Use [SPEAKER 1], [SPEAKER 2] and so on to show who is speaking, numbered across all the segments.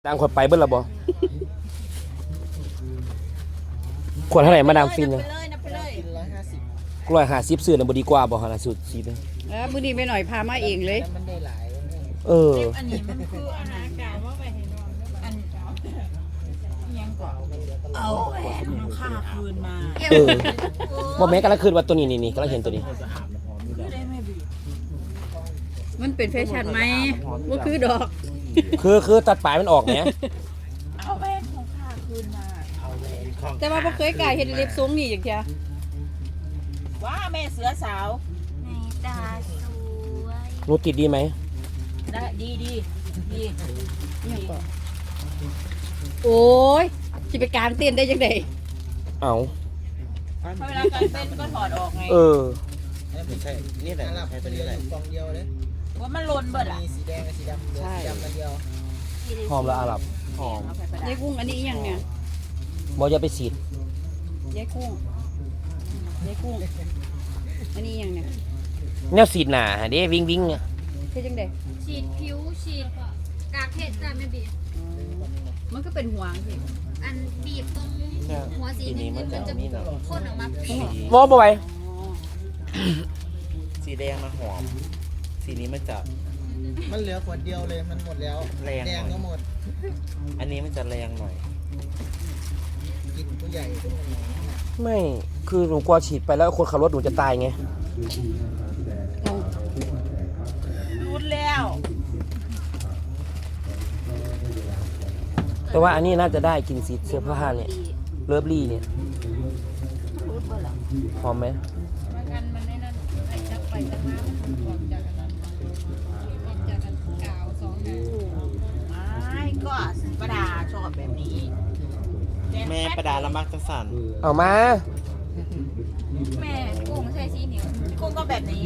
[SPEAKER 1] ดังคนไปเบิ้ลละบ่ขวดเท่าไหร่มาดามฟินนะ
[SPEAKER 2] กิน
[SPEAKER 1] 150ซื้อน่ะบ่ดีกว่าบ่ฮะล่ะสุดสิ
[SPEAKER 3] มื้อนี้ไปหน่อยพามาเองเลย
[SPEAKER 2] มันได้หลาย
[SPEAKER 4] อันนี้มันคืออาหารกาวว่าไปให้นอนอันยังก่อนเอาแหวนน้องค่าคืนมา
[SPEAKER 1] บ่แม่กำลังคืนว่าตัวนี้นี่กำลังเห็นตัวนี้
[SPEAKER 3] มันเป็นแฟชั่นไหมว่าคือดอก
[SPEAKER 1] คือตัดปลายมันออกเนี่ย
[SPEAKER 4] เอาแหวนของค่าคืนมา
[SPEAKER 3] แต่ว่าบ่เคยกล้าเฮ็ดเล็บทรงนี่จังซี่
[SPEAKER 4] ว่าแม่เสือสาว
[SPEAKER 5] ในตาสวย
[SPEAKER 1] หนูติดดีไหม
[SPEAKER 4] ได้ดี
[SPEAKER 3] โอ้ยสิไปกางเต้นได้จังได๋
[SPEAKER 1] เอ้า
[SPEAKER 4] เวลาการเต้นก็ถอดออกไง
[SPEAKER 2] ไม่ใช่นี่แหละใช้ตัวนี้แหละกล่องเดียวเลย
[SPEAKER 4] ว่ามันลนเบิดอ่ะ
[SPEAKER 2] มีสีแดงกับสีดำสีดำมันเดียว
[SPEAKER 1] หอมละอาหรับหอม
[SPEAKER 3] ยายกุ้งอันนี้อีหยังเนี่ย
[SPEAKER 1] บ่อย่าไปฉีด
[SPEAKER 3] ยายกุ้งอันนี้อีหยังเนี่ย
[SPEAKER 1] แนวฉีดหน้าเด้วิ่งเนี่ย
[SPEAKER 3] เฮ็ดจังได๋
[SPEAKER 5] ฉีดผิวฉีดกากเห็ดจ้ะไม่บีบ
[SPEAKER 3] มันก็เป็นหวงสิ
[SPEAKER 5] อันบีบตรงหัวสีนี้มันจะพ่นออกมา
[SPEAKER 1] บ่ไหว
[SPEAKER 6] สีแดงมันหอมสีนี้มันจะ
[SPEAKER 2] มันเหลือขวดเดียวเลยมันหมดแล้ว
[SPEAKER 6] แรง
[SPEAKER 2] ก็หมด
[SPEAKER 6] อันนี้มันจะแรงหน่อย
[SPEAKER 2] กินผู้ใหญ่
[SPEAKER 1] ไม่คือหนูกลัวฉีดไปแล้วคนขับรถหนูจะตายไง
[SPEAKER 4] รุนแล้ว
[SPEAKER 1] แต่ว่าอันนี้น่าจะได้กินสีเสื้อผ้าเนี่ยเลิฟลี่เนี่ยหอมไหม
[SPEAKER 4] มันได้นั่นไอ้จับไปจับมามันออกจากอันนั้นออกจากอันกาว2ไม่ก็ประดาชอบแบบนี้
[SPEAKER 6] แม่ประดาละมักจะสั่น
[SPEAKER 1] เอามา
[SPEAKER 5] แม่กุ้งใส่สีเหนียว
[SPEAKER 4] กุ้งก็แบบนี้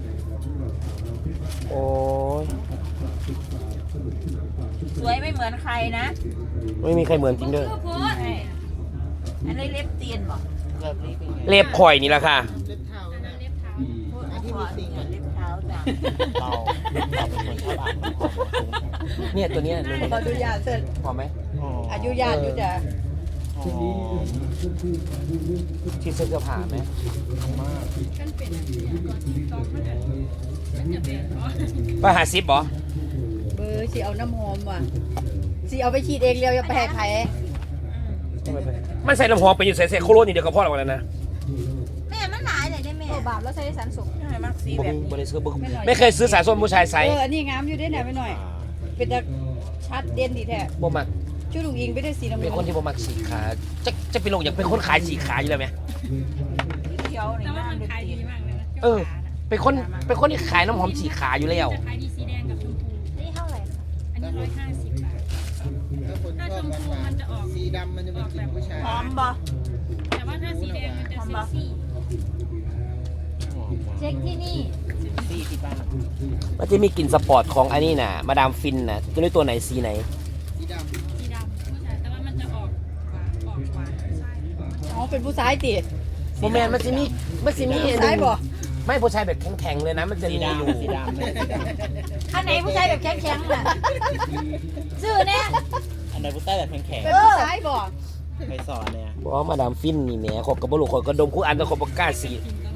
[SPEAKER 1] โอ้ย
[SPEAKER 4] สวยไม่เหมือนใครนะ
[SPEAKER 1] ไม่มีใครเหมือนจริงด้วย
[SPEAKER 4] อันนี้เล็บเตียนบอก
[SPEAKER 1] เล็บข่อยนี่แหละค่ะ
[SPEAKER 2] เล็บเท้านะ
[SPEAKER 4] เล็บเท้าอันที่มีติ่งเล็บเท้าจ้ะ
[SPEAKER 6] เราเป็นคนชอบอ่าน
[SPEAKER 1] เนี่ยตัวเนี้ย
[SPEAKER 3] ขออนุญาตเสร็จ
[SPEAKER 1] หอมไหม
[SPEAKER 3] อนุญาตอยู่จ้ะ
[SPEAKER 1] ที่เสื้อผ้าไหมมากป้าหาซิปเหรอ
[SPEAKER 3] เบอร์สิเอาน้ำหอมว่ะสิเอาไปฉีดเองเร็วอย่าไปให้ใคร
[SPEAKER 1] มันใส่น้ำหอมไปอยู่ใส่โคโรนี่เดี๋ยวก็พอแล้วนะ
[SPEAKER 5] แม่มันหลายเลยได้แม่บาปแล้วใส่สารสม
[SPEAKER 4] ใช่มากสีแบบ
[SPEAKER 1] ไม่เคยซื้อสายส้มผู้ชายใส่
[SPEAKER 3] อันนี้งามอยู่ได้ไหนไปหน่อยเป็นตาชัดเด่นดีแท้
[SPEAKER 1] บ่มัก
[SPEAKER 3] ชื่อลุงอิงไม่ได้สีน้ำ
[SPEAKER 1] เป็นคนที่บ่มักสีขาจะเป็นลงอย่างเป็นคนขายสีขาอยู่แล้วไหม
[SPEAKER 4] เขียวนี่มันขายดีมากเลยนะ
[SPEAKER 1] เป็นคนที่ขายน้ำหอมสีขาอยู่แล้ว
[SPEAKER 5] ขายดีสีแดงกับชมพูนี่เท่าไหร่อันนี้150 บาท
[SPEAKER 2] ถ้าชมพูมันจะออกสีดำมันจะเป็นกลิ่นผู้ชาย
[SPEAKER 4] หอมบ่
[SPEAKER 5] แต่ว่าถ้าสีแดงมันจะเซ็กซี่เช็คที่นี่
[SPEAKER 6] สีที่บ้าน
[SPEAKER 1] มันจะมีกลิ่นสปอร์ตของอันนี้น่ะมาดามฟินน่ะตัวนี้ตัวไหนสีไหน
[SPEAKER 2] สีดำ
[SPEAKER 5] แต่ว่ามันจะออกหวานใช่
[SPEAKER 3] อ๋อเป็นผู้ชายติ
[SPEAKER 1] โมแมนมันจะมี
[SPEAKER 3] ผู้ชายบ่
[SPEAKER 1] ไม่ผู้ชายแบบแข็งๆเลยนะมันจะมีอยู่
[SPEAKER 6] สีดำ
[SPEAKER 5] อันไหนผู้ชายแบบแข็งๆน่ะชื่อเนี่ย
[SPEAKER 6] อันไหนผู้ชายแบบแข็ง
[SPEAKER 3] เป็นผู้ชายบ่
[SPEAKER 6] ไปสอนเนี่ย
[SPEAKER 1] บอกว่ามาดามฟินนี่แหมขอบกับบลูกขอบกระดมคู่อันแล้วขอบกล้าสี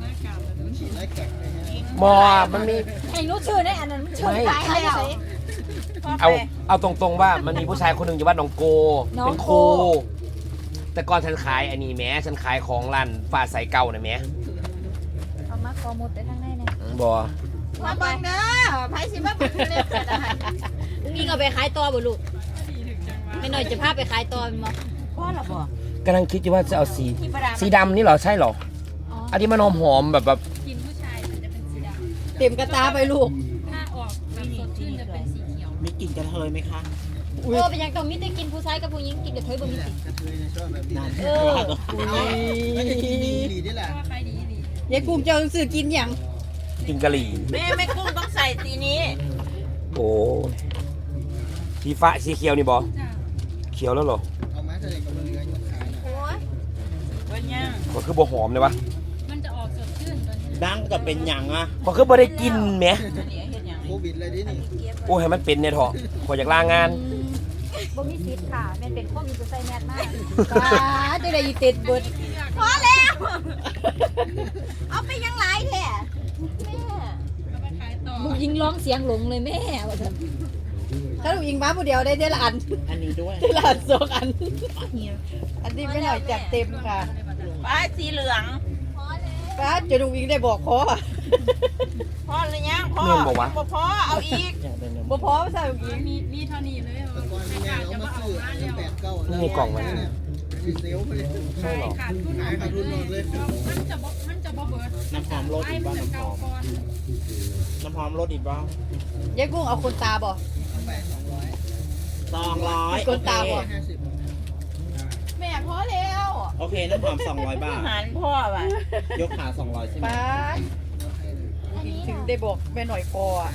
[SPEAKER 1] มอมันมี
[SPEAKER 5] ไอ้นู้ชื่อเนี่ยอันนั้นชื่อใคร
[SPEAKER 1] เอาตรงๆว่ามันมีผู้ชายคนหนึ่งอยู่บ้านหนองโกเป็นครูแต่ก่อนฉันขายอันนี้แหมฉันขายของร้านฟ้าใสเก่าน่ะแหม
[SPEAKER 5] เอามาคอหมดไปทางไหนเนี่ย
[SPEAKER 1] บ่
[SPEAKER 4] มาบังเด้อไผสิมาบังเล็บกันได้
[SPEAKER 5] นี่เอาไปขายต่อบ่ลูกไม่หน่อยจะพาไปขายต่อมั้ย
[SPEAKER 4] พ่อล่ะบ่
[SPEAKER 1] กำลังคิดอยู่ว่าจะเอาสีดำนี่เหรอใช่เหรออันนี้มันหอมแบบ
[SPEAKER 5] กินผู้ชายมันจะเป็นสีดำ
[SPEAKER 3] เต็มกระตาไปลูก
[SPEAKER 5] ถ้าออกแบบสดชื่นจะเป็นสีเขียว
[SPEAKER 6] มีกลิ่นกระเทยไหมคะ
[SPEAKER 5] เป็นยังต้องมีแต่กินผู้ชายกับผู้หญิงกินกระเทยบ่มีติ
[SPEAKER 2] กระเทยชอบแบบนี้
[SPEAKER 3] มันจะกินดีนี่แหละยายกุ้งจะซื้อกินยัง
[SPEAKER 1] กินกะหรี่
[SPEAKER 4] แม่กุ้งต้องใส่ตีนี้
[SPEAKER 1] โอ้สีฟ้าสีเขียวนี่บอเขียวแล้วเหรอ
[SPEAKER 2] เอามาใส่กับเรือยกขาย
[SPEAKER 5] โอ้ย
[SPEAKER 4] เป็นยัง
[SPEAKER 1] ก็คือบ่หอมเลยวะ
[SPEAKER 5] มันจะออกสดชื่นตอนนี้
[SPEAKER 6] ดังกับเป็นหยังอ่ะ
[SPEAKER 1] ก็คือบ่ได้กินแหม
[SPEAKER 2] โควิดอะไรดินี่
[SPEAKER 1] โอ้ให้มันเป็นเนี่ยเถอะขออยากลางาน
[SPEAKER 5] บ่มีสิทธิ์ค่ะแม่นเป็นโควิดจะใส่แมสมาก
[SPEAKER 3] ป้าจะได้ยีติดเบิด
[SPEAKER 4] พอแล้วเอาไปยังไรแท้แม่
[SPEAKER 5] ลูกยิงร้องเสียงหลงเลยแม่ว่าซั่น
[SPEAKER 3] ถ้าลูกยิงบ้าผู้เดียวได้ละอัน
[SPEAKER 6] อันนี้ด้วย
[SPEAKER 3] ได้ละอันสองอัน อันนี้ไม่หน่อยจัดเต็มค่ะ
[SPEAKER 4] ป้าสีเหลือง
[SPEAKER 3] ป้าจะลูกยิงได้บอกคอ
[SPEAKER 4] พอหรือยังพอ
[SPEAKER 1] เงินบอกว่า
[SPEAKER 4] พอเอาอีก
[SPEAKER 6] อยากได้เนื้อ
[SPEAKER 3] บ่พอใส่ลูกยิง
[SPEAKER 2] แต่ก่อนมีแม่เอามาซื้อ8 9แล้ว
[SPEAKER 1] มีกล่องไว้
[SPEAKER 2] เนี่ยมีเซลล์ไปเลย
[SPEAKER 1] ใช่หรอ
[SPEAKER 2] ขายขาดทุนหมดเลย
[SPEAKER 6] น้ำหอมรสอีกบ้างน้ำหอมน้ำหอมรสอีกบ้าง
[SPEAKER 3] ยายกุ้งเอาคนตาบ่
[SPEAKER 6] 200
[SPEAKER 3] คนตาบ่
[SPEAKER 2] 50
[SPEAKER 4] แม่พอแล้ว
[SPEAKER 6] โอเคน้ำหอม200 บาท
[SPEAKER 4] หันพ่อว่ะ
[SPEAKER 6] ยกขา200ใช่ไหม
[SPEAKER 3] ป้าถึงได้บอกแม่หน่อยพออ่ะ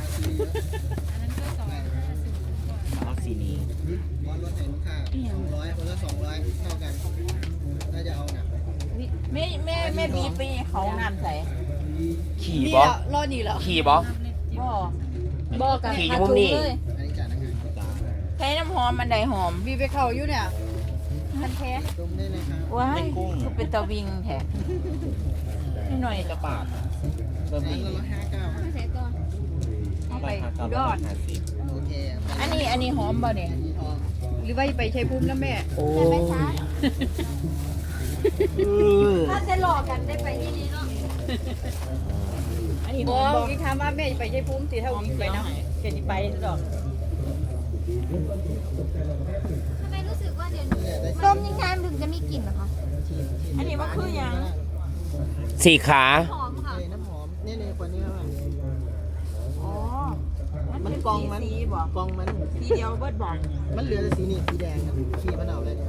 [SPEAKER 6] เอาสีนี้
[SPEAKER 2] บอลรถเห็นค่า200คนละ200เท่ากันน่าจะเอาหนัก
[SPEAKER 4] แม่บีไปเขาน้ำใส่
[SPEAKER 1] ขี่
[SPEAKER 3] นี่
[SPEAKER 1] บอ
[SPEAKER 3] แล้วรอนี่แล้ว
[SPEAKER 1] ขี่บอ
[SPEAKER 4] พ่อ
[SPEAKER 5] บ่กัน
[SPEAKER 1] ขี่อยู่มุมนี่
[SPEAKER 5] เลย
[SPEAKER 2] อันนี้จ่ายนะครับ
[SPEAKER 4] ใช้น้ำหอมมันใดหอม
[SPEAKER 3] มีไปเข้าอยู่เนี่ย
[SPEAKER 4] มันแท้
[SPEAKER 2] ตรงได้เลยครับ
[SPEAKER 4] ว้ายคือเป็นตะวิงแท้นิดหน่อย
[SPEAKER 6] กระปาดเริ่ม
[SPEAKER 2] อัน
[SPEAKER 6] ดี
[SPEAKER 2] นี้ละ59
[SPEAKER 5] ใส่ก่อน
[SPEAKER 4] เอาไป
[SPEAKER 6] ราคา
[SPEAKER 4] ยอด
[SPEAKER 6] 950
[SPEAKER 2] โอเค
[SPEAKER 4] อันนี้หอมบ่เนี่ย
[SPEAKER 2] อันนี้ทอง
[SPEAKER 3] หรือว่าไปใช้ภูมินะแม่
[SPEAKER 1] โอ้
[SPEAKER 5] ถ้าจะหลอกกันได้ไปที่นี่เนาะ
[SPEAKER 4] อันนี้ห
[SPEAKER 3] บ
[SPEAKER 4] อ
[SPEAKER 3] อ
[SPEAKER 4] ม
[SPEAKER 3] ก
[SPEAKER 4] บ่
[SPEAKER 3] อีกคำว่าแม่ไปใช้ภูมิสิถ้าวิ่งไปนะเกิดไปดอก
[SPEAKER 5] ทำไมรู้สึกว่าเดี๋ยวนี้
[SPEAKER 2] เนี่ยได้
[SPEAKER 5] ต้มยังไงมันถึงจะมีกลิ่นเหรอคะ
[SPEAKER 4] อันนี้มันคือหยัง
[SPEAKER 1] สี่ขา
[SPEAKER 5] หอมค่ะ
[SPEAKER 2] น้ำหอมเนี่ยคนนี้ครับ
[SPEAKER 4] อ๋อ
[SPEAKER 2] มัน
[SPEAKER 4] เป็น
[SPEAKER 2] กองมัน
[SPEAKER 4] สีบ่
[SPEAKER 2] กองมัน
[SPEAKER 4] สีเดียวเบิดบ่
[SPEAKER 2] มันเหลือแต่สีนี่สีแดงครับสีมะนาวเลย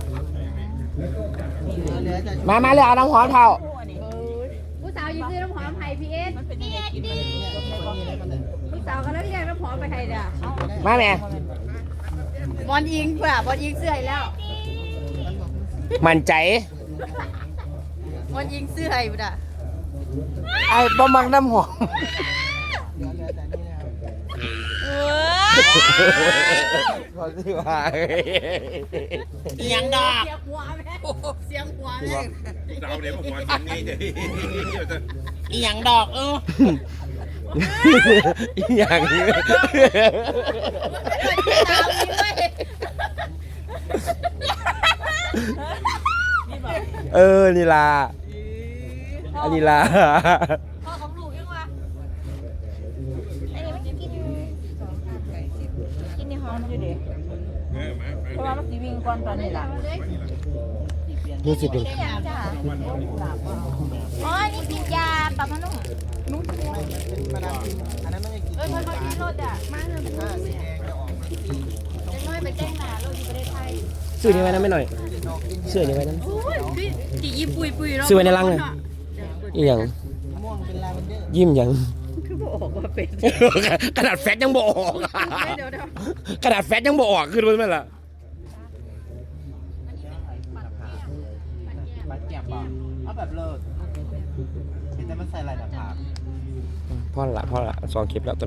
[SPEAKER 2] เหลือแต่
[SPEAKER 1] มาเลยเอาน้ำหอมเท่า
[SPEAKER 4] คู่อันนี้
[SPEAKER 5] ผู้สาวยืนซื้อน้ำหอมไผ่พีเอส
[SPEAKER 4] มันเป็นยังไงกิน
[SPEAKER 2] เนี่ยคนนี้เลยมันเลย
[SPEAKER 5] ผู้สาวก็แล้วเรียกน้ำหอมไปไทยเด้อ
[SPEAKER 1] มาแม่
[SPEAKER 3] บอลยิงเปล่าบอลยิงเสื้อให้แล้ว
[SPEAKER 2] มันบอก
[SPEAKER 1] มั่นใจ
[SPEAKER 3] บอลยิงเสื้อให้บ่ด่ะ
[SPEAKER 1] ไอ้บ่มักน้ำหอม
[SPEAKER 2] เหลือแต่นี่นะครับ
[SPEAKER 1] ขอสิว่า
[SPEAKER 6] อีหยังดอก
[SPEAKER 3] เสียงหัวแม่เสียงหัวแม่
[SPEAKER 7] เราเดี๋ยวผมวันนี้เดี๋ยว
[SPEAKER 6] อีหยังดอก
[SPEAKER 1] อย่างนี้ นี่ล่ะอันนี้ล่ะ
[SPEAKER 5] พ่อของลูกยังวะอันนี้มันกินกินในหอม
[SPEAKER 4] อยู่ดิเพราะว่ามันสิวิ่งก่อนตอนนี้ล่ะ
[SPEAKER 1] นี่สิเป็น
[SPEAKER 5] จ้าอ๋อนี่กินยาปรับผ้านุ่ม
[SPEAKER 2] เป็นมาดามฟินอันนั้นไม่ได้กิน
[SPEAKER 5] เอ้ยมันกินรถอ่ะมาเถอะ
[SPEAKER 2] ถ้าสีแดงจะออกมาสี
[SPEAKER 5] จะน้อยไปแจ้งหนาเราอยู่ประเทศไทย
[SPEAKER 1] ซื้อนี่ไว้นะไม่หน่อย
[SPEAKER 2] ดอกกิน
[SPEAKER 1] ซื้อนี่ไว้นะ
[SPEAKER 3] จีอีปุยปุยแล้ว
[SPEAKER 1] ซื้อไว้ในรังเลยอีหยัง
[SPEAKER 2] ม่วงเป็นลาเวนเดอร์
[SPEAKER 1] ยิ้มหยัง
[SPEAKER 3] คือบอกว่าเป็น
[SPEAKER 1] ขนาดแฟตยังบ่ออก
[SPEAKER 3] เดี๋ยว
[SPEAKER 1] ขนาดแฟตยังบ่ออกขึ้นมาไหมล่ะ
[SPEAKER 6] ปัดแก้มบ่เอาแบบเลิศเห็นแต่มันใส่ลายหน้าผาก
[SPEAKER 1] พ่อละ2 คลิปแล้ว